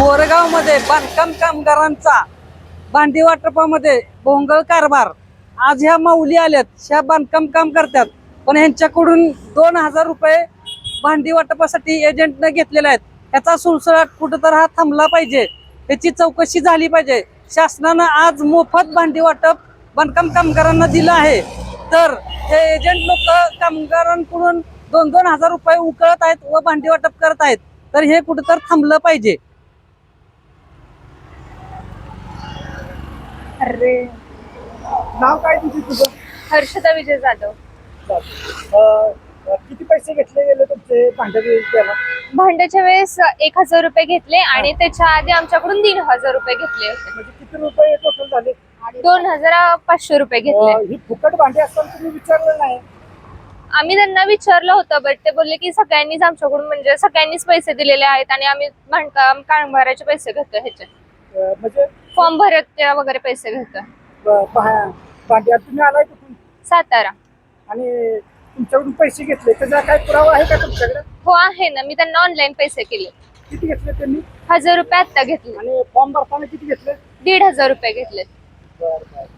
मोरगाव मध्ये बांधकाम कामगारांचा भांडी वाटपामध्ये भोंगळ कारभार। आज ह्या माऊली आल्यात, ह्या बांधकाम काम करतात, पण ह्यांच्याकडून 2000 रुपये भांडी वाटपासाठी एजंटने घेतलेले आहेत। ह्याचा सुळसुळाट कुठेतरी हा थांबला पाहिजे, त्याची चौकशी झाली पाहिजे। शासनानं आज मोफत भांडी वाटप बांधकाम कामगारांना दिलं आहे, तर हे एजंट लोक कामगारांकडून 2-2 हजार रुपये उकळत आहेत व भांडी वाटप करत आहेत, तर हे कुठेतरी थांबलं पाहिजे। अरे नाव काय तुझं? हर्षदा विजय जाधव। किती पैसे घेतले गेले तुमचे भांड्याला? भांड्याच्या वेळेस 1000 रुपये घेतले आणि त्याच्या आधी आमच्याकडून 1500 रुपये घेतले होते। म्हणजे किती रुपये टोटल झाले? 2500 रुपये घेतले। ही फुकट भांडी असताना तुम्ही विचारलं नाही? आम्ही त्यांना विचारलं होतं, बट ते बोलले की सगळ्यांनीच आमच्याकडून म्हणजे सगळ्यांनीच पैसे दिलेले आहेत आणि आम्ही बांधकाम कामगाराचे पैसे घेतो, ह्याचे म्हणजे फॉर्म भरत वगैरे पैसे घेतो। भांडी तुम्ही आलाय कुठून? सातारा। आणि तुमच्याकडून पैसे घेतले त्याचा काय पुरावा आहे का तुमच्याकडे? हो आहे ना, मी त्यांना ऑनलाईन पैसे केले। किती घेतले त्यांनी? 1000 रुपये आता घेतले आणि फॉर्म भरताना किती घेतले? 1500 रुपये घेतले। बरं बरं।